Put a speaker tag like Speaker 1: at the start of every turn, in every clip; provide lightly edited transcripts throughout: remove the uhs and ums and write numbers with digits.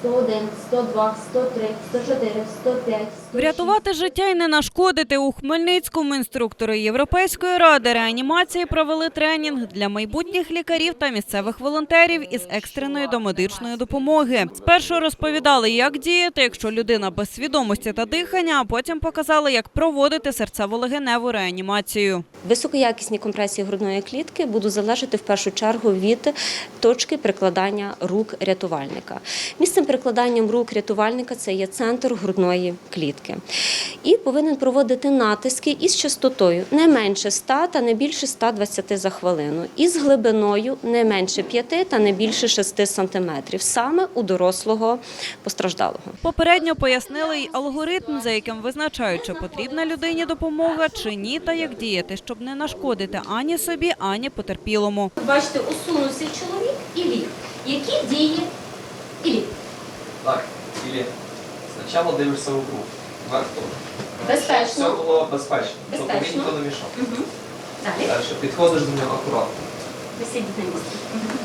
Speaker 1: 101, 102, 103, 104, 105, 106.
Speaker 2: Врятувати життя і не нашкодити. У Хмельницькому інструктори Європейської ради реанімації провели тренінг для майбутніх лікарів та місцевих волонтерів із екстреної домедичної допомоги. Спершу розповідали, як діяти, якщо людина без свідомості та дихання, а потім показали, як проводити серцево-легеневу реанімацію.
Speaker 3: Високоякісні компресії грудної клітки будуть залежати в першу чергу від точки прикладання рук рятувальника. Місцем прикладання рук рятувальника це є центр грудної клітки. І повинен проводити натиски із частотою не менше 100 та не більше 120 за хвилину. І з глибиною не менше 5 та не більше 6 сантиметрів, саме у дорослого постраждалого.
Speaker 2: Попередньо пояснили й алгоритм, за яким визначають, чи потрібна людині допомога, чи ні, та як діяти, щоб не нашкодити ані собі, ані потерпілому.
Speaker 1: Бачите, усунувся чоловік і ліг. Які дії і ліг?
Speaker 4: Так, или спочатку дивишся в руку, вверх теж.
Speaker 1: Безпечно.
Speaker 4: Все було безпечно, тобто він
Speaker 1: Безпечно.
Speaker 4: ніхто не мішав.
Speaker 1: Далі.
Speaker 4: Далі підходиш до нього акуратно.
Speaker 1: Висіть на місці.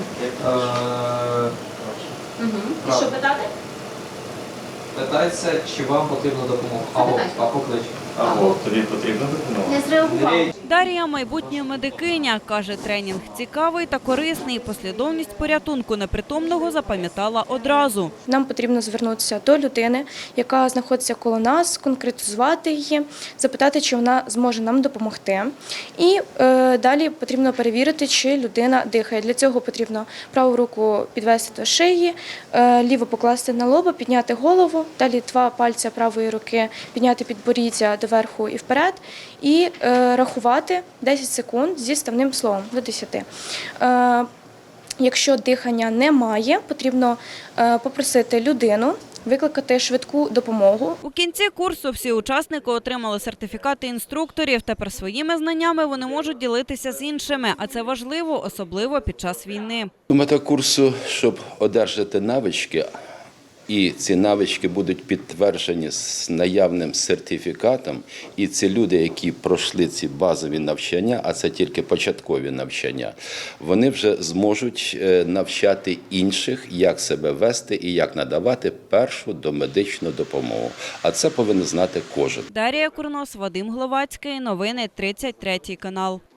Speaker 1: І
Speaker 4: Правда.
Speaker 1: що питати?
Speaker 4: Питається, чи вам потрібна допомога. Або поклич.
Speaker 5: Або тобі потрібна допомога.
Speaker 1: Не зреагував.
Speaker 2: Дар'я – майбутня медикиня. Каже, тренінг цікавий та корисний. Послідовність порятунку непритомного запам'ятала одразу.
Speaker 6: Нам потрібно звернутися до людини, яка знаходиться коло нас, конкретизувати її, запитати, чи вона зможе нам допомогти. І далі потрібно перевірити, чи людина дихає. Для цього потрібно праву руку підвести до шиї, ліву покласти на лоба, підняти голову, далі 2 пальця правої руки підняти підборіддя доверху і вперед, і рахувати 10 секунд зі ставним словом до 10. Якщо дихання немає, потрібно попросити людину викликати швидку допомогу.
Speaker 2: У кінці курсу всі учасники отримали сертифікати інструкторів. Тепер своїми знаннями вони можуть ділитися з іншими, а це важливо, особливо під час війни.
Speaker 7: Мета курсу, щоб одержати навички, і ці навички будуть підтверджені з наявним сертифікатом, і ці люди, які пройшли ці базові навчання, а це тільки початкові навчання, вони вже зможуть навчати інших, як себе вести і як надавати першу домедичну допомогу. А це повинен знати кожен.
Speaker 2: Дар'я Курнос, Вадим Гловацький. Новини 33 канал.